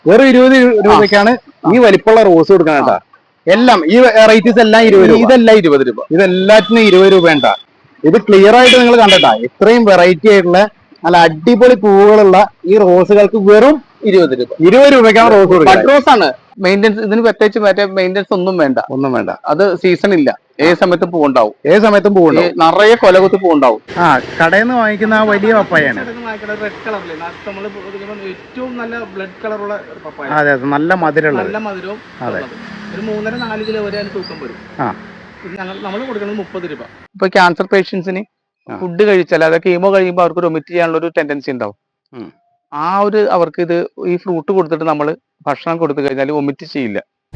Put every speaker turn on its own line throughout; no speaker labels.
വെറും 20 രൂപയ്ക്കാണ് ഈ വലിപ്പമുള്ള റോസ് കൊടുക്കണം കേട്ടാ. എല്ലാം ഈ വെറൈറ്റീസ് എല്ലാം 20 രൂപ.
ഇതെല്ലാം 20 രൂപ.
ഇതെല്ലാത്തിനും 20 രൂപ ഉണ്ടാ. ഇത് ക്ലിയർ ആയിട്ട് നിങ്ങൾ കണ്ടട്ടാ. ഇത്രയും വെറൈറ്റി ആയിട്ടുള്ള നല്ല അടിപൊളി പൂവുകളുള്ള ഈ റോസുകൾക്ക് വെറും
20 രൂപ.
20 രൂപയ്ക്കാണ് റോസ് കൊടുക്കുന്നത്.
ബഡ് റോസ് ആണ്. മെയിൻ്റെനൻസ് ഇതിന് പ്രത്യേകിച്ച് മറ്റേ മെയിൻ്റെനൻസ് ഒന്നും വേണ്ട. അത് സീസൺ ഇല്ല. ഏത് സമയത്തും പൂവുണ്ടാവും.
ഏത് സമയത്തും പൂവുണ്ടാവും.
നിറയെ കൊലകുത്തി പൂവുണ്ടാവും.
കടയിൽ നിന്ന് വാങ്ങിക്കുന്ന ആ വലിയ പപ്പായാണ്.
റെഡ് കളറിലെ നമ്മൾ ഏറ്റവും നല്ല ബ്ലഡ് കളറുള്ള പപ്പായ.
അതെ അതെ, നല്ല മധുരമുള്ള,
നല്ല മധുരവും. അതെ, ഒരു 3.5-4 കിലോ വരെ അതിന് തൂക്കം വരും. നമ്മൾ കൊടുക്കുന്നത് 30 രൂപ. ഇപ്പൊ ക്യാൻസർ പേഷ്യൻസിന് ഫുഡ് കഴിച്ചാൽ അതൊക്കെ കീമോ കഴിയുമ്പോൾ അവർക്ക് വൊമിറ്റ് ചെയ്യാനുള്ള ഒരു ടെൻഡൻസി ഉണ്ടാവും. അവർക്ക് ഇത് ഈ ഫ്രൂട്ട് കൊടുത്തിട്ട് നമ്മൾ ഭക്ഷണം കൊടുത്തു കഴിഞ്ഞാൽ വൊമിറ്റ് ചെയ്യില്ല.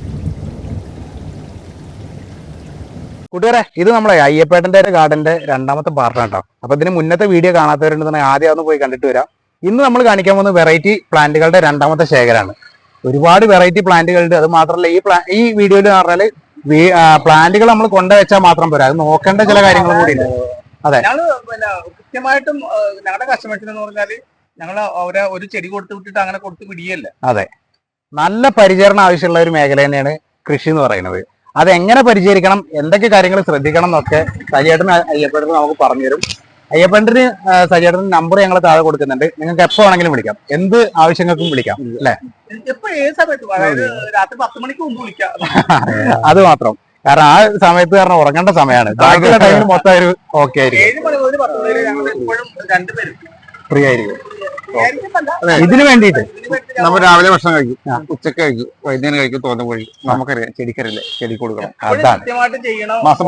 കൂട്ടുകാരെ, ഇത് നമ്മളെ അയ്യപ്പേട്ടന്റെ ഗാർഡന്റെ രണ്ടാമത്തെ പാർട്ടാണ് കേട്ടോ. അപ്പൊ ഇതിന് മുന്നത്തെ വീഡിയോ കാണാത്തവരുണ്ടെന്നുണ്ടെങ്കിൽ ആദ്യം ഒന്ന് പോയി കണ്ടിട്ട് വരാം. ഇന്ന് നമ്മൾ കാണിക്കാൻ പോകുന്ന വെറൈറ്റി പ്ലാന്റുകളുടെ രണ്ടാമത്തെ ശേഖരമാണ്. ഒരുപാട് വെറൈറ്റി പ്ലാന്റുകളുണ്ട്. അത് മാത്രമല്ല ഈ വീഡിയോയിൽ പറഞ്ഞാല് പ്ലാന്റുകൾ നമ്മൾ കൊണ്ടുവച്ചാൽ മാത്രം പോരാ, അത് നോക്കേണ്ട ചില കാര്യങ്ങളും കൂടി ഉണ്ട്. അതെ,
കൃത്യമായിട്ടും ഞങ്ങളുടെ കസ്റ്റമേഴ്സിന് എന്ന് പറഞ്ഞാല് ഞങ്ങൾ അവരെ ഒരു ചെടി കൊടുത്തു വിട്ടിട്ട് അങ്ങനെ കൊടുത്ത് പിടിയല്ല.
അതെ, നല്ല പരിചരണം ആവശ്യമുള്ള ഒരു മേഖല തന്നെയാണ് കൃഷി എന്ന് പറയുന്നത്. അതെങ്ങനെ പരിചരിക്കണം, എന്തൊക്കെ കാര്യങ്ങൾ ശ്രദ്ധിക്കണം എന്നൊക്കെ സജിയേട്ടന് അയ്യപ്പേട്ടന് നമുക്ക് പറഞ്ഞുതരും. അയ്യപ്പേട്ടന് സജിയേട്ടന് നമ്പർ ഞങ്ങൾ താഴെ കൊടുക്കുന്നുണ്ട്. നിങ്ങൾക്ക് എപ്പോ വേണമെങ്കിലും വിളിക്കാം, എന്ത് ആവശ്യങ്ങൾക്കും വിളിക്കാം അല്ലെ.
രാത്രി 10 മണിക്ക് മുമ്പ് വിളിക്കാം.
അത് മാത്രം, കാരണം ആ സമയത്ത് കാരണം ഉറങ്ങേണ്ട സമയമാണ്. ബാക്കിയുള്ള ടൈമിൽ മൊത്തം ഒരു ഓക്കെ ആയിരിക്കും, ഫ്രീ ആയിരിക്കും. ഇതിന് വേണ്ടിയിട്ട്
നമ്മൾ രാവിലെ ഭക്ഷണം കഴിക്കും, ഉച്ചക്ക് കഴിക്കും, വൈകുന്നേരം കഴിക്കും, തോന്നുന്ന വഴി നമുക്കറിയാം. ചെടിക്കരല്ലേ, ചെടി കൊടുക്കണം.
അതാണ്
മാസം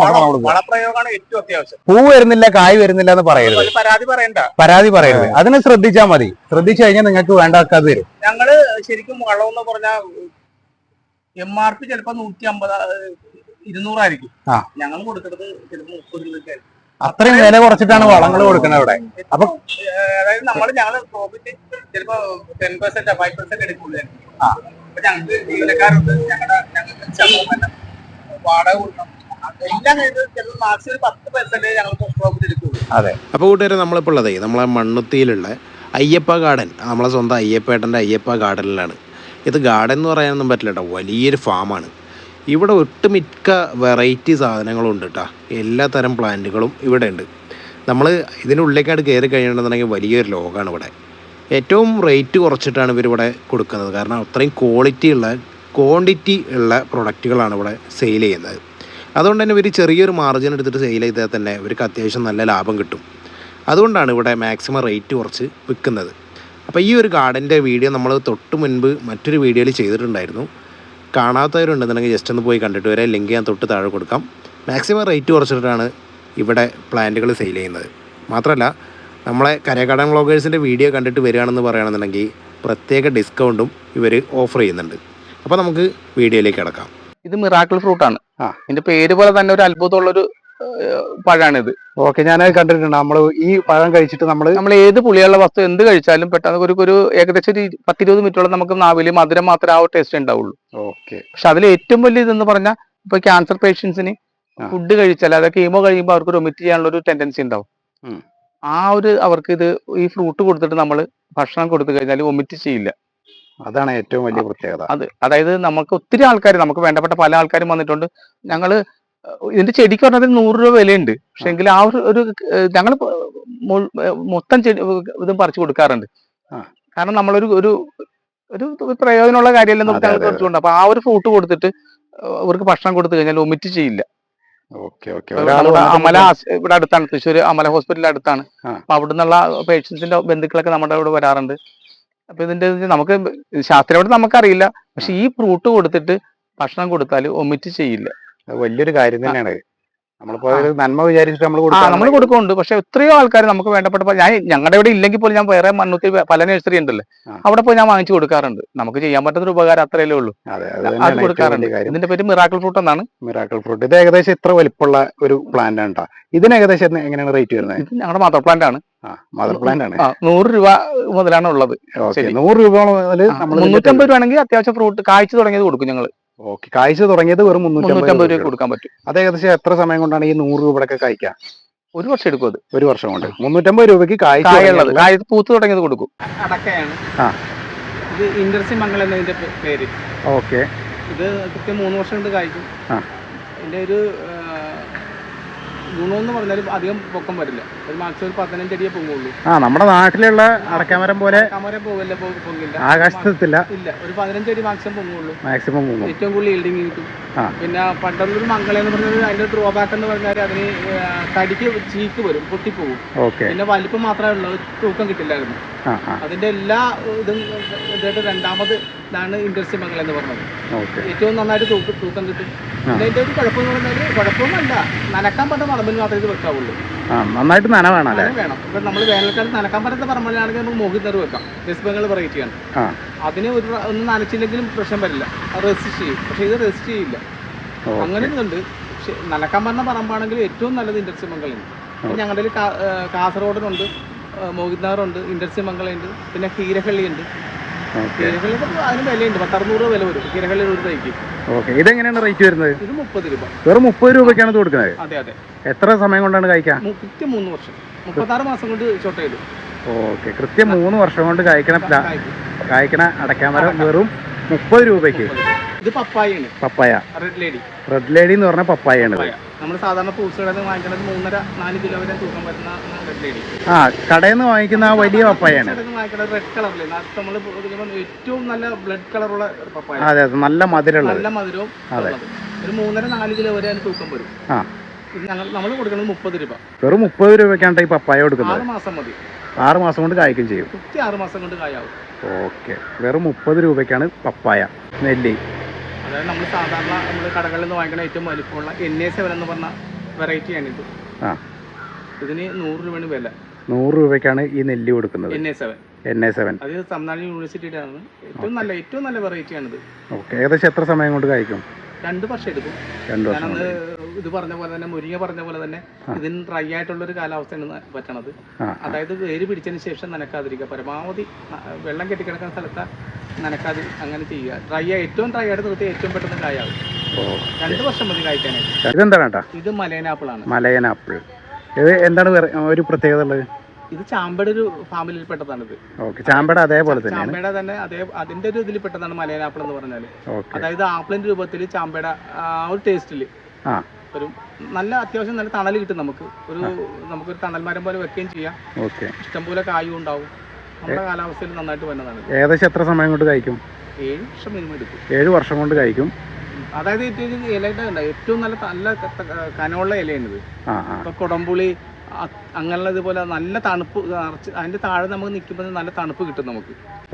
പൂ വരുന്നില്ല, കായ് വരുന്നില്ല എന്ന് പറയരുത്, പരാതി പറയരുത്. അതിന് ശ്രദ്ധിച്ചാൽ മതി. ശ്രദ്ധിച്ചു കഴിഞ്ഞാൽ നിങ്ങൾക്ക് വേണ്ടതൊക്കെ അത് തരും.
ഞങ്ങള് ശരിക്കും വളം എന്ന് പറഞ്ഞാൽ MRP ചിലപ്പോ 150-200 ആയിരിക്കും. ഞങ്ങൾ കൊടുക്കുന്നത് ചിലപ്പോ 30 രൂപയ്ക്കായിരിക്കും.
അത്രയും വില കുറച്ചിട്ടാണ് വളങ്ങൾ കൊടുക്കുന്നത് ഇവിടെ. അപ്പൊ
അതായത് ഞങ്ങള് പ്രോഫിറ്റ് ചിലപ്പോ 10% 5% എടുക്കുള്ളൂ. അപ്പൊ ഞങ്ങൾക്ക് ജീവനക്കാരുണ്ട്, ഞങ്ങൾക്ക് വാടക കൊടുക്കണം, എല്ലാം ചിലപ്പോൾ മാക്സിമം 10% ഞങ്ങൾക്ക് പ്രോഫിറ്റ് എടുക്കുള്ളൂ.
അതെ.
അപ്പോൾ കൂട്ടുകാരെ, നമ്മളിപ്പോൾ ഉള്ളതേ നമ്മളെ മണ്ണുത്തിയിലുള്ള അയ്യപ്പ ഗാർഡൻ, നമ്മളെ സ്വന്തം അയ്യപ്പേട്ടൻ്റെ അയ്യപ്പ ഗാർഡനിലാണ്. ഇത് ഗാർഡൻ എന്ന് പറയാനൊന്നും പറ്റില്ല കേട്ടോ, വലിയൊരു ഫാമാണ്. ഇവിടെ ഒട്ടുമിക്ക വെറൈറ്റി സാധനങ്ങളും ഉണ്ട് കേട്ടോ. എല്ലാ തരം പ്ലാന്റുകളും ഇവിടെ ഉണ്ട്. നമ്മൾ ഇതിനുള്ളിലേക്കായിട്ട് കയറി കഴിയണമെന്നുണ്ടെങ്കിൽ വലിയൊരു ലോകമാണ് ഇവിടെ. ഏറ്റവും റേറ്റ് കുറച്ചിട്ടാണ് ഇവരിവിടെ കൊടുക്കുന്നത്. കാരണം അത്രയും ക്വാണ്ടിറ്റി ഉള്ള പ്രൊഡക്റ്റുകളാണ് ഇവിടെ സെയിൽ ചെയ്യുന്നത്. അതുകൊണ്ട് തന്നെ ഇവർ ചെറിയൊരു മാർജിൻ എടുത്തിട്ട് സെയിൽ ചെയ്താൽ തന്നെ ഇവർക്ക് അത്യാവശ്യം നല്ല ലാഭം കിട്ടും. അതുകൊണ്ടാണ് ഇവിടെ മാക്സിമം റേറ്റ് കുറച്ച് വിൽക്കുന്നത്. അപ്പോൾ ഈ ഒരു ഗാർഡൻ്റെ വീഡിയോ നമ്മൾ തൊട്ട് മുൻപ് മറ്റൊരു വീഡിയോയിൽ ചെയ്തിട്ടുണ്ടായിരുന്നു. കാണാത്തവരുണ്ടെന്നുണ്ടെങ്കിൽ ജസ്റ്റ് ഒന്ന് പോയി കണ്ടിട്ട് വരാം. ലിങ്ക് ഞാൻ തൊട്ട് താഴെ കൊടുക്കാം. മാക്സിമം റേറ്റ് കുറച്ചിട്ടാണ് ഇവിടെ പ്ലാന്റുകൾ സെയിൽ ചെയ്യുന്നത്. മാത്രമല്ല നമ്മളെ കരേക്കാടൻ വ്ളോഗേഴ്സിൻ്റെ വീഡിയോ കണ്ടിട്ട് വരികയാണെന്ന് പറയുകയാണെന്നുണ്ടെങ്കിൽ പ്രത്യേക ഡിസ്കൗണ്ടും ഇവർ ഓഫർ ചെയ്യുന്നുണ്ട്. അപ്പോൾ നമുക്ക് വീഡിയോയിലേക്ക് കിടക്കാം.
ഇത് മിറാക്കിൾ ഫ്രൂട്ടാണ്. ഇതിന്റെ പേര് പോലെ തന്നെ ഒരു അത്ഭുതമുള്ളൊരു പഴമാണിത്.
ഓക്കെ, ഞാനത് കണ്ടിട്ടുണ്ട്. നമ്മൾ ഈ പഴം കഴിച്ചിട്ട് നമ്മൾ
ഏത് പുളിയുള്ള വസ്തു എന്ത് കഴിച്ചാലും പെട്ടെന്ന് ഒരു ഏകദേശം ഒരു 10-20 മിനിറ്റോളം നമുക്ക് നാവില് മധുരം മാത്രമേ ആ ടേസ്റ്റ് ഉണ്ടാവുള്ളൂ.
ഓക്കെ.
പക്ഷെ അതിൽ ഏറ്റവും വലിയ ഇതെന്ന് പറഞ്ഞാൽ ഇപ്പൊ ക്യാൻസർ പേഷ്യൻസിന് ഫുഡ് കഴിച്ചാൽ അതൊക്കെ കീമോ കഴിയുമ്പോൾ അവർക്ക് വൊമിറ്റ് ചെയ്യാനുള്ള ഒരു ടെൻഡൻസി ഉണ്ടാവും. അവർക്ക് ഇത് ഈ ഫ്രൂട്ട് കൊടുത്തിട്ട് നമ്മൾ ഭക്ഷണം കൊടുത്തു കഴിഞ്ഞാൽ വൊമിറ്റ് ചെയ്യില്ല.
അതാണ് ഏറ്റവും വലിയ പ്രത്യേകത.
അതായത് നമുക്ക് ഒത്തിരി ആൾക്കാർ, നമുക്ക് വേണ്ടപ്പെട്ട പല ആൾക്കാരും വന്നിട്ടുണ്ട്. ഞങ്ങള് ഇതിന്റെ ചെടിക്ക് പറഞ്ഞാൽ 100 രൂപ വിലയുണ്ട്. പക്ഷെ എങ്കിൽ ആ ഒരു ഞങ്ങൾ മൊത്തം ചെടി ഇതും പറിച്ചു കൊടുക്കാറുണ്ട്. കാരണം നമ്മളൊരു ഒരു പ്രയോജനമുള്ള കാര്യമല്ല നമുക്ക് ഞങ്ങൾ കുറച്ചുകൊണ്ട്. അപ്പൊ ആ ഒരു ഫ്രൂട്ട് കൊടുത്തിട്ട് അവർക്ക് ഭക്ഷണം കൊടുത്തു കഴിഞ്ഞാൽ വൊമിറ്റ് ചെയ്യില്ല. അമല ഇവിടെ അടുത്താണ്, തൃശ്ശൂർ അമല ഹോസ്പിറ്റലിന്റെ അടുത്താണ്. അപ്പൊ അവിടെ നിന്നുള്ള പേഷ്യൻസിന്റെ ബന്ധുക്കളൊക്കെ നമ്മുടെ ഇവിടെ വരാറുണ്ട്. അപ്പൊ ഇതിന്റെ നമുക്ക് ശാസ്ത്രീയമായിട്ട് നമുക്കറിയില്ല, പക്ഷെ ഈ ഫ്രൂട്ട് കൊടുത്തിട്ട് ഭക്ഷണം കൊടുത്താൽ വൊമിറ്റ് ചെയ്യില്ല.
വലിയൊരു കാര്യം തന്നെയാണ്. നമ്മളിപ്പോ നന്മ വിചാരിച്ചിട്ട് നമ്മൾ
കൊടുക്കുന്നുണ്ട്. പക്ഷെ എത്രയോ ആൾക്കാർ നമുക്ക് വേണ്ടപ്പെട്ട, ഞങ്ങളുടെ ഇവിടെ ഇല്ലെങ്കിൽ പോലും ഞാൻ വേറെ മണ്ണുത്തി പല നഴ്സറി ഉണ്ടല്ലോ, അവിടെ പോയി ഞാൻ വാങ്ങിച്ചു കൊടുക്കാറുണ്ട്. നമുക്ക് ചെയ്യാൻ പറ്റുന്ന ഒരു ഉപകാരം അത്രയല്ലേ ഉള്ളൂ. അത് കൊടുക്കാറുണ്ട്. ഇതിന്റെ പേര് മിറാക്കിൾ ഫ്രൂട്ട് എന്നാണ്.
Miracle fruit. ഇത് ഏകദേശം ഇത്ര വലിപ്പമുള്ള ഒരു പ്ലാന്റ് ആണ്. ഇതിന് ഏകദേശം എങ്ങനെയാണ് റേറ്റ് വരുന്നത്?
ഇത് ഞങ്ങളുടെ മദർ പ്ലാന്റ് ആണ്.
മദർ പ്ലാന്റ് ആണ്.
100 രൂപ മുതലാണ് ഉള്ളത്.
100 രൂപ മുതൽ
350 രൂപയാണെങ്കിൽ അത്യാവശ്യം ഫ്രൂട്ട് കായ്ച്ചു തുടങ്ങിയത് കൊടുക്കും ഞങ്ങൾ.
ഓക്കെ, കായ്ച്ചു തുടങ്ങിയത് വെറും 350
രൂപ കൊടുക്കാൻ പറ്റും.
അത് ഏകദേശം എത്ര സമയം കൊണ്ടാണ് ഈ 100 രൂപയൊക്കെ കായ്ക്കാം?
1 വർഷം എടുക്കും. അത്
1 വർഷം കൊണ്ട് 350 രൂപയ്ക്ക് കായുള്ളത്
പൂത്ത് തുടങ്ങിയത് കൊടുക്കും. അടക്കയാണ്. ഇത് ഇൻഡർസി മംഗൾ എന്നതിന്റെ പേര്.
ഓക്കെ.
ഇത് കൃത്യം 3 വർഷം കൊണ്ട് കായ്ക്കും. ഇതിന്റെ ഒരു ഗുണമെന്ന് പറഞ്ഞാൽ അധികം പൊക്കം വരില്ല. ഒരു മാക്സിമം ഒരു 15 അടിയേ പൊങ്ങുള്ളൂ.
നമ്മുടെ നാട്ടിലുള്ള അടക്കാമരം പോലെ
പോകില്ല, പൊങ്ങില്ല,
ആകാശത്തില്ല.
ഇല്ല, ഒരു 15 അടി മാക്സിമം പൊങ്ങുള്ളൂ.
മാക്സിമം
ഏറ്റവും കൂടുതൽ ഈൽഡിങ് കിട്ടും. പിന്നെ പണ്ടുള്ളൊരു മംഗളെന്ന് പറഞ്ഞാൽ അതിന്റെ ഡ്രോബാക്ക് എന്ന് പറഞ്ഞാൽ അതിന് തടിക്ക് ചീക്ക് വരും, പൊട്ടിപ്പോകും. പിന്നെ വലിപ്പം മാത്രമേ ഉള്ളൂ, തൂക്കം കിട്ടില്ലായിരുന്നു. അതിന്റെ എല്ലാ ഇതും ഇതായിട്ട് രണ്ടാമത് ഇതാണ് ഇൻഡസ്ട്രി മംഗൾ എന്ന് പറഞ്ഞത്. ഏറ്റവും നന്നായിട്ട് തൂക്കം കിട്ടും. പിന്നെ അതിന്റെ ഒരു കുഴപ്പമെന്ന് പറഞ്ഞാൽ കുഴപ്പമൊന്നുമല്ല, നനക്കാൻ പറ്റുന്ന പറമ്പിൽ മാത്രമേ ഇത് വെക്കാവുള്ളൂ.
നന്നായിട്ട് നന വേണം.
വേണം. ഇപ്പൊ നമ്മൾ വേനൽക്കാലത്ത് നനക്കാൻ പറ്റുന്ന പറമ്പിലാണെങ്കിൽ നമുക്ക് മോഹിതർ വെക്കാം. വെസ്റ്റ് ബംഗാൾ വെറൈറ്റിയാണ്. അതിന് ഒന്നും നനച്ചില്ലെങ്കിലും പ്രശ്നം വരില്ല, റെസിസ്റ്റ് ചെയ്യും. പക്ഷെ ഇത് റെസിസ്റ്റ് ചെയ്യില്ല. അങ്ങനെ ഇതുണ്ട്. പക്ഷെ നനക്കാൻ പറഞ്ഞ പറമ്പാണെങ്കിൽ ഏറ്റവും നല്ലത് ഇൻഡസ്ട്രി മംഗളുണ്ട്. ഞങ്ങളുടെ കാസർഗോഡിനുണ്ട്, മോഹിത്നഗറുണ്ട്, ഇൻഡസ്ട്രി മംഗളുണ്ട്, പിന്നെ ഹീരഹള്ളിയുണ്ട്. ഹീരഹള്ളി അതിന് വിലയുണ്ട്, 10-600 രൂപ വില വരും ഹീരഹള്ളി ഒരു തൈക്ക്.
ഇതെങ്ങനെയാണ് റേറ്റ് വരുന്നത്?
ഇത് 30 രൂപ.
വെറും 30 രൂപയ്ക്കാണ് ഇത് കൊടുക്കുന്നത്?
അതെ അതെ.
എത്ര സമയം കൊണ്ടാണ് കഴിക്കാൻ?
കൃത്യം 3 വർഷം, 36 മാസം കൊണ്ട് ചോട്ടയിടും.
ഓക്കെ. കൃത്യം 3 വർഷം കൊണ്ട് കായ്ക്കണ അടക്കാമരം വെറും 30 രൂപയ്ക്ക്.
ഇത് പപ്പായാണ്.
Papaya
red lady.
Red lady എന്ന് പറഞ്ഞ പപ്പായാണ്.
നമ്മൾ സാധാരണ ഫ്രൂട്ട്സ് കടയിൽ നിന്ന് വാങ്ങിക്കുന്നത് 3.5-4 കിലോ വരെ തൂക്കം വരുന്ന റെഡ് ലേഡി.
കടയിൽ നിന്ന് വാങ്ങിക്കുന്ന ആ വലിയ പപ്പായാണ്.
വാങ്ങിക്കുന്നത് റെഡ് കളറിൽ നമ്മൾ ഏറ്റവും നല്ല ബ്ലഡ് കളറുള്ള പപ്പായ.
അതെ അതെ, നല്ല മധുരമുള്ള,
നല്ല മധുരവും. ഒരു 3.5-4 കിലോ വരെ അതിന് തൂക്കം വരും. നമ്മൾ കൊടുക്കുന്നത് 30 രൂപ. വെറും
30 രൂപയ്ക്കാണ് ഈ പപ്പായ കൊടുക്കുന്നത്.
6 മാസം മതി.
6 മാസം കൊണ്ട് കായ്ക്കും ചെയ്യും.
കൃത്യം 6 മാസം കൊണ്ട് കായാവും.
ഓക്കെ. വെറും 30 രൂപയ്ക്കാണ് പപ്പായ നെല്ലി.
അതായത് നമ്മൾ സാധാരണ നമ്മൾ കടകളിൽ നിന്ന് വാങ്ങിക്കുന്ന ഏറ്റവും വലിപ്പമുള്ള NA7 എന്ന് പറഞ്ഞ വെറൈറ്റിയാണിത്. ഇതിന് 100 രൂപയാണ് വില. 100
രൂപയ്ക്കാണ് ഈ നെല്ലി കൊടുക്കുന്നത്.
NA7. അത് തമിഴ്നാട് യൂണിവേഴ്സിറ്റിയുടെ ആണ്. ഏറ്റവും നല്ല വെറൈറ്റിയാണിത്.
ഓക്കെ. ഏകദേശം എത്ര സമയം കൊണ്ട് കായ്ക്കും?
2 വർഷം എടുക്കും. ഞാനത് ഇത് പറഞ്ഞ പോലെ തന്നെ, മുരിങ്ങ പറഞ്ഞ പോലെ തന്നെ ഇതിന് ഡ്രൈ ആയിട്ടുള്ളൊരു കാലാവസ്ഥയാണ് പറ്റണത്. അതായത് വേര് പിടിച്ചതിന് ശേഷം നനക്കാതിരിക്കുക. പരമാവധി വെള്ളം കെട്ടിക്കിടക്കുന്ന സ്ഥലത്ത് നനക്കാതെ അങ്ങനെ ചെയ്യുക. ഏറ്റവും ഡ്രൈ ആയിട്ട് നിർത്തി ഏറ്റവും പെട്ടെന്ന് കായാവും. 2 വർഷം മതി കായ്ക്കാനായിട്ട്.
ഇതെന്താണ്?
ഇത് മലയനാപ്പിൾ ആണ്.
മലയനാപ്പിൾ. ഇത് എന്താണ് ഒരു പ്രത്യേകത ഉള്ളത്?
ഇത് ചാമ്പയുടെ ഒരു ഫാമിലിയിൽ പെട്ടതാണിത്.
ചാമ്പയുടെ അതേപോലെ തന്നെ,
ചാമ്പയുടെ തന്നെ അതിന്റെ ഒരു ഇതിൽ പെട്ടതാണ് മലയനാപ്പിൾ എന്ന് പറഞ്ഞാല്. അതായത് ആപ്പിളിന്റെ രൂപത്തിൽ ചാമ്പയുടെ ഒരു ടേസ്റ്റില് ഒരു നല്ല അത്യാവശ്യം നല്ല തണൽ കിട്ടും നമുക്ക്. നമുക്കൊരു തണൽ മരം പോലെ വെക്കുകയും ചെയ്യാം. ഇഷ്ടംപോലെ കായും ഉണ്ടാവും. നമ്മുടെ കാലാവസ്ഥയിൽ നന്നായിട്ട് വരുന്നതാണ്.
ഏകദേശം എത്ര സമയം കൊണ്ട് കഴിക്കും?
7 വർഷം മിനിമം എടുക്കും.
7 വർഷം കൊണ്ട് കഴിക്കും.
അതായത് ഇലയുടെ ഏറ്റവും നല്ല കനമുള്ള ഇലയാണിത്. ഇപ്പൊ കൊടംപുളി അങ്ങനെയുള്ള ഇതുപോലെ നല്ല തണുപ്പ്, അതിന്റെ താഴെ നമുക്ക് നിൽക്കുമ്പോൾ നല്ല തണുപ്പ് കിട്ടും നമുക്ക്.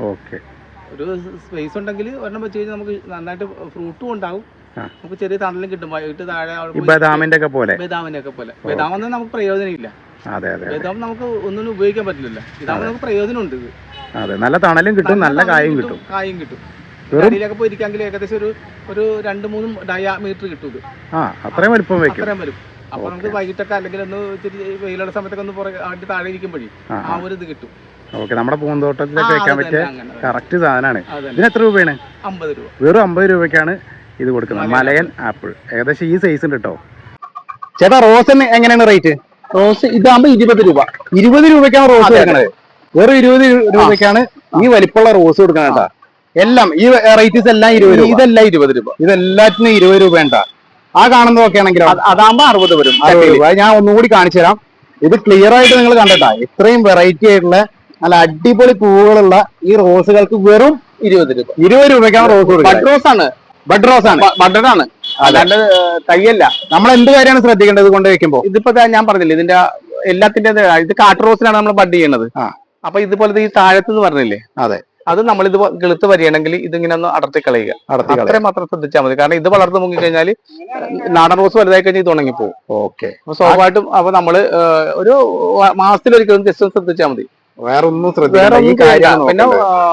ഒരു സ്പേസ് ഉണ്ടെങ്കിൽ ഒരെണ്ണം വെച്ച് കഴിഞ്ഞാൽ നമുക്ക് നന്നായിട്ട് ഫ്രൂട്ടും ഉണ്ടാവും, നമുക്ക് ചെറിയ തണലും കിട്ടും. വൈകിട്ട് താഴെ
ബദാമിന്റെ ഒക്കെ പോലെ.
ബദാമൊന്നും നമുക്ക് പ്രയോജനമില്ല. ബദാം നമുക്ക് ഒന്നും ഉപയോഗിക്കാൻ പറ്റില്ല. ഇതാകുമ്പോൾ നമുക്ക് പ്രയോജനമുണ്ട്. ഇത്
നല്ല തണലും കിട്ടും, നല്ല കായും കിട്ടും.
അടിയിലൊക്കെ പോയിരിക്കാമെങ്കിൽ ഏകദേശം ഒരു 2-3 ഡയമീറ്റർ കിട്ടും. ഇത്
അത്രയും വലിപ്പം
വരും. അപ്പൊ നമുക്ക് വൈകിട്ടൊക്കെ അല്ലെങ്കിൽ ഒന്ന് ഇത്തിരി വെയിലുള്ള സമയത്തൊക്കെ ഒന്ന് താഴെ ഇരിക്കുമ്പോഴേ ആ ഒരു ഇത് കിട്ടും.
നമ്മുടെ പൂന്തോട്ടത്തിലൊക്കെ വെക്കാൻ പറ്റിയ കറക്റ്റ് സാധനമാണ്. ഇതിന് എത്ര രൂപയാണ്?
50 രൂപ.
വെറും 50 രൂപയ്ക്കാണ് ഇത് കൊടുക്കുന്നത്. മലയൻ ആപ്പിൾ ഏകദേശം ഈ സൈസ് ഉണ്ട് കേട്ടോ. ചേട്ടാ, റോസിന് എങ്ങനെയാണ് റേറ്റ്?
റോസ് ഇതാകുമ്പോ 20 രൂപ.
20 രൂപയ്ക്കാണ് റോസ് കൊടുക്കുന്നത്. വെറും 20 രൂപയ്ക്കാണ് ഈ വലിപ്പമുള്ള റോസ് കൊടുക്കുന്നത് കേട്ടോ. എല്ലാം ഈ വെറൈറ്റീസ് എല്ലാം 20 രൂപ.
ഇതെല്ലാം 20 രൂപ.
ഇതെല്ലാത്തിനും 20 രൂപ ഉണ്ടാ. ആ കാണുന്നതൊക്കെ ആണെങ്കിലോ
അതാകുമ്പോ 60 വരും.
60 രൂപ. ഞാൻ ഒന്നുകൂടി കാണിച്ചു തരാം. ഇത് ക്ലിയർ ആയിട്ട് നിങ്ങൾ കണ്ടട്ടാ. ഇത്രയും വെറൈറ്റി ആയിട്ടുള്ള നല്ല അടിപൊളി പൂവുകളുള്ള ഈ റോസുകൾക്ക് വെറും
20 രൂപ.
20 രൂപയ്ക്കാണ് റോസ് കൊടുക്കുന്നത്.
ബഡ് റോസ് ആണ്. ബഡഡ് ആണ്, അല്ലാണ്ട് തയ്യല്ല.
നമ്മൾ എന്ത് കാര്യമാണ് ശ്രദ്ധിക്കേണ്ടത് കൊണ്ട് വെക്കുമ്പോ?
ഇതിപ്പോ ഞാൻ പറഞ്ഞില്ലേ, ഇതിന്റെ എല്ലാത്തിന്റെ ഇത് കാട്ട് റോസിലാണ് നമ്മൾ ബഡ് ചെയ്യണത്. അപ്പൊ ഇതുപോലത്തെ ഈ താഴത്ത് പറഞ്ഞില്ലേ,
അതെ,
അത് നമ്മളിത് കിളുത്ത് വരികയാണെങ്കിൽ ഇതിങ്ങനെ ഒന്ന് അടർത്തി കളയുക. അത്രയും മാത്രം ശ്രദ്ധിച്ചാൽ മതി. കാരണം ഇത് വളർന്നു മുങ്ങി കഴിഞ്ഞാൽ നാടൻ റോസ് വലുതായി കഴിഞ്ഞാൽ ഇത് ഉണങ്ങിപ്പോകും. അപ്പൊ സ്വാഭാവികമായിട്ടും അപ്പൊ നമ്മള് ഒരു മാസത്തിലൊരിക്കലും ജസ്റ്റ് ഒന്ന് ശ്രദ്ധിച്ചാൽ മതി.
വേറെ ഒന്നും
പിന്നെ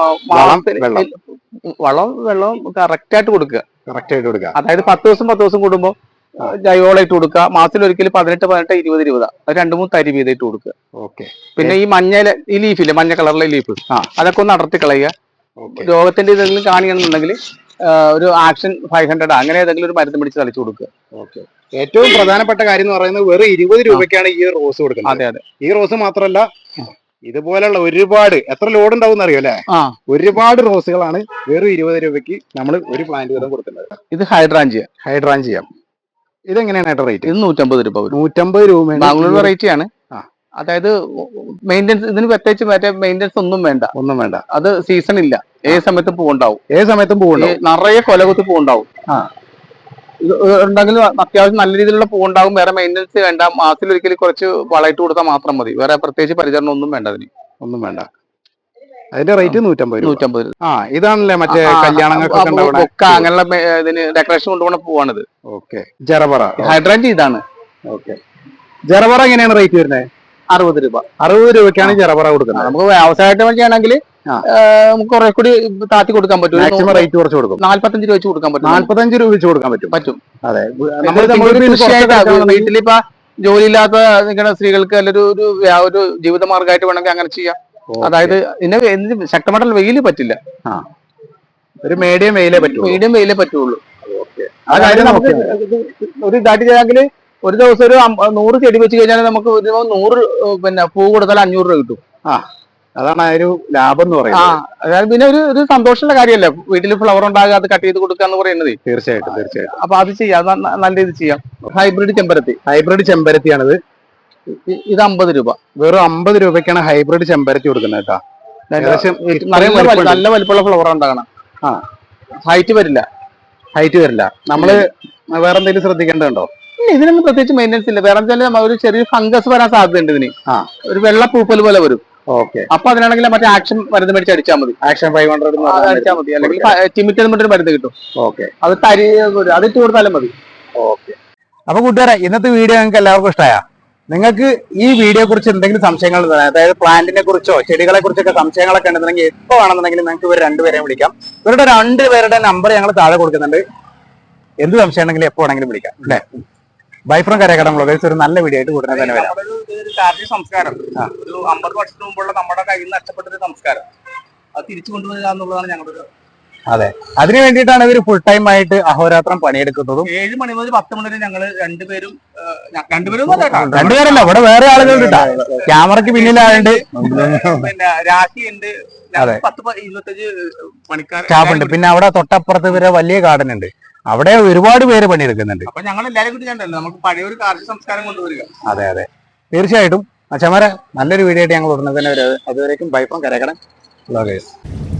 വെള്ളം കറക്റ്റ് ആയിട്ട് കൊടുക്കുക. അതായത് 10 ദിവസം കൂടുമ്പോ ജൈവവളമായിട്ട് കൊടുക്കുക. മാസത്തിലൊരിക്കലും 18-20 രൂപ 2-3 തരി വീതമായിട്ട് കൊടുക്കുക. പിന്നെ ഈ ഈ ലീഫില്ലേ, മഞ്ഞ കളറിലെ ലീഫ്, അതൊക്കെ ഒന്ന് അടർത്തി കളയുക. രോഗത്തിന്റെ ഇതെങ്കിലും കാണിക്കണമെന്നുണ്ടെങ്കിൽ ഒരു ആക്ഷൻ 500 അങ്ങനെ ഏതെങ്കിലും ഒരു മരുന്ന് പിടിച്ച് തളിച്ചു കൊടുക്കുക.
ഏറ്റവും പ്രധാനപ്പെട്ട കാര്യം എന്ന് പറയുന്നത് വെറും 20 രൂപയ്ക്കാണ് ഈ റോസ് കൊടുക്കുന്നത്.
അതെ.
ഈ റോസ് മാത്രമല്ല, ഇതുപോലുള്ള ഒരുപാട് എത്ര ലോഡ് ഉണ്ടാവും അറിയോ അല്ലെ?
ആ
ഒരുപാട് റോസുകളാണ് വെറും 20 രൂപയ്ക്ക് നമ്മൾ ഒരു പ്ലാന്റ് വീതം കൊടുക്കുന്നത്.
ഇത് ഹൈഡ്രാഞ്ചിയ.
ഹൈഡ്രാഞ്ചിയം ഇതെങ്ങനെയാണ് റേറ്റ്?
ഇത് 150 രൂപ വരും.
150 രൂപ.
ബാംഗ്ലൂർ വെറൈറ്റി ആണ്.
ആ.
അതായത് മെയിൻ്റെനൻസ് ഇതിന് പ്രത്യേകിച്ച് മറ്റേ മെയിൻ്റെനൻസ് ഒന്നും വേണ്ട. അത് സീസൺ ഇല്ല, ഏത് സമയത്തും പൂവുണ്ടാവും.
ഏത് സമയത്തും പൂവുണ്ടാവും.
നിറയെ കൊലകുത്തി പൂവുണ്ടാവും.
ആ
ഇത് ഉണ്ടെങ്കിൽ അത്യാവശ്യം നല്ല രീതിയിലുള്ള പൂവുണ്ടാവും. വേറെ മെയിൻ്റെനൻസ് വേണ്ട. മാസത്തിൽ കുറച്ച് വളയിട്ട് കൊടുത്താൽ മാത്രം മതി. വേറെ പ്രത്യേകിച്ച് പരിചരണം ഒന്നും വേണ്ട. അതിന്
ഒന്നും വേണ്ട. അതിന്റെ റേറ്റ് 150 രൂപ.
ആ
ഇതാണല്ലേ മറ്റേ കല്യാണങ്ങൾക്ക്
അങ്ങനെയുള്ള ഇതിന് ഡെക്കറേഷൻ കൊണ്ടുപോകുന്ന പൂവാണിത്.
ഓക്കെ. ജറബറ
ഹൈഡ്രാഞ്ചി ഇതാണ്.
ഓക്കെ. ജറബറ എങ്ങനെയാണ് റേറ്റ് വരുന്നത്?
60 രൂപ.
60 രൂപയ്ക്കാണ് ജറബറ കൊടുക്കുന്നത്.
നമുക്ക് വ്യവസായമായിട്ട് വേണ്ടിയാണെങ്കിൽ നമുക്ക് കുറെ കൂടി താത്തി കൊടുക്കാൻ പറ്റും.
മാക്സിമം റേറ്റ് കുറച്ച് കൊടുക്കും.
45 രൂപ വെച്ച് കൊടുക്കാൻ പറ്റും.
45 രൂപ വെച്ച് കൊടുക്കാൻ പറ്റും. അതെ.
വീട്ടിലിപ്പോ ജോലിയില്ലാത്ത നിൽക്കുന്ന സ്ത്രീകൾക്ക് ഒരു ജീവിത മാർഗമായിട്ട് വേണമെങ്കിൽ അങ്ങനെ ചെയ്യാം. അതായത് ഇതിന് ശക്തമായിട്ടുള്ള വെയില് പറ്റില്ല.
ഒരു മീഡിയം വെയിലേ
പറ്റുള്ളൂ. അതായത് നമുക്ക് ഒരു ഇതായിട്ട് ചെയ്യാമെങ്കിൽ ഒരു ദിവസം ഒരു 100 ചെടി വെച്ച് കഴിഞ്ഞാൽ നമുക്ക് 100 പൂ കൊടുത്താൽ 500 രൂപ കിട്ടും.
അതാണ് ഒരു ലാഭം എന്ന് പറയുന്നത്.
അതായത് പിന്നെ ഒരു സന്തോഷമുള്ള കാര്യമല്ലേ വീട്ടിൽ ഫ്ലവർ ഉണ്ടാകുക, അത് കട്ട് ചെയ്ത് കൊടുക്കുക എന്ന് പറയുന്നത്.
തീർച്ചയായിട്ടും.
അപ്പൊ അത് ചെയ്യാം, നല്ല രീതിയിൽ ചെയ്യാം. ഹൈബ്രിഡ് ചെമ്പരത്തിയാണിത്. ഇത് 50 രൂപ.
വെറും 50 രൂപയ്ക്കാണ് ഹൈബ്രിഡ് ചെമ്പരത്തി കൊടുക്കുന്നത് കേട്ടോ.
നല്ല വലിപ്പമുള്ള ഫ്ലവർ ഉണ്ടാകണം. ഹൈറ്റ് വരില്ല.
നമ്മള് വേറെ എന്തെങ്കിലും ശ്രദ്ധിക്കേണ്ടതുണ്ടോ?
ഇതിനൊന്നും പ്രത്യേകിച്ച് മെയിൻ്റെനൻസ് ഇല്ല. വേറെ ഒരു ചെറിയ ഫംഗസ് വരാൻ സാധ്യതയുണ്ട് ഇതിന്. ഒരു വെള്ള പൂപ്പൽ പോലെ വരും.
ഓക്കെ.
അപ്പൊ അതിനാണെങ്കിൽ മറ്റേ ആക്ഷൻ മരുന്ന് മേടിച്ച് അടിച്ചാൽ മതി.
ആക്ഷൻ 500
അടിച്ചാൽ മതി. അല്ലെങ്കിൽ ടിമിറ്റ് മരുന്ന് കിട്ടും.
ഓക്കെ.
അതിട്ട് കൊടുത്താലും മതി.
ഓക്കെ. അപ്പൊ കൂട്ടുകാരെ, ഇന്നത്തെ വീഡിയോ നിങ്ങൾക്ക് എല്ലാവർക്കും ഇഷ്ടമായ? നിങ്ങൾക്ക് ഈ വീഡിയോയെ കുറിച്ച് എന്തെങ്കിലും സംശയങ്ങൾ, അതായത് പ്ലാന്റിനെ കുറിച്ചോ ചെടികളെ കുറിച്ചൊക്കെ സംശയങ്ങളൊക്കെ ഉണ്ടെന്നുണ്ടെങ്കിൽ എപ്പോ വേണമെന്നുണ്ടെങ്കിൽ നിങ്ങൾക്ക് ഇവർ രണ്ടുപേരെയും വിളിക്കാം. ഇവരുടെ 2 പേരുടെ നമ്പർ ഞങ്ങൾ താഴെ കൊടുക്കുന്നുണ്ട്. എന്ത് സംശയം ഉണ്ടെങ്കിലും എപ്പോ വേണമെങ്കിലും വിളിക്കാം. അല്ലേ? Bye from Karakadam vloggers. ഒരു നല്ല വീഡിയോ ആയിട്ട് ഉടനെ തന്നെ വരാം.
കാർഷിക സംസ്കാരം ഒരു 50 വർഷത്തിന് മുമ്പുള്ള നമ്മുടെ കയ്യിൽ നിന്ന് നഷ്ടപ്പെട്ടൊരു സംസ്കാരം അത് തിരിച്ചു കൊണ്ടുവരിക എന്നുള്ളതാണ് ഞങ്ങളുടെ.
അതെ, അതിനു വേണ്ടിയിട്ടാണ് ഇവർ ഫുൾ ടൈം ആയിട്ട് അഹോരാത്രം പണിയെടുക്കുന്നതും.
7 മണി മുതൽ 10 മണി വരെ ഞങ്ങൾ രണ്ടുപേരല്ല,
ഇവിടെ വേറെ ആളുകളുണ്ട്. ക്യാമറയ്ക്ക് പിന്നിലായുണ്ട്.
പിന്നെ രാശിയുണ്ട്. 10-25 പണിക്കാർ
സ്റ്റാഫുണ്ട്. പിന്നെ അവിടെ തൊട്ടപ്പുറത്ത് വരെ വലിയ ഗാർഡൻ ഉണ്ട്. അവിടെ ഒരുപാട് പേര് പണിയെടുക്കുന്നുണ്ട്.
അപ്പൊ ഞങ്ങൾ എല്ലാവരും കൂടി കണ്ടല്ലോ നമുക്ക് പഴയ ഒരു കാർഷിക സംസ്കാരം കൊണ്ടുവരിക.
അതെ, തീർച്ചയായിട്ടും. അച്ഛന്മാരെ, നല്ലൊരു വീഡിയോ ആയിട്ട് ഞങ്ങൾ ഉടനെ തന്നെ വരും. അതുവരേക്കും ബൈ ഫ്രം കരകടം വ്ളോഗേഴ്സ്.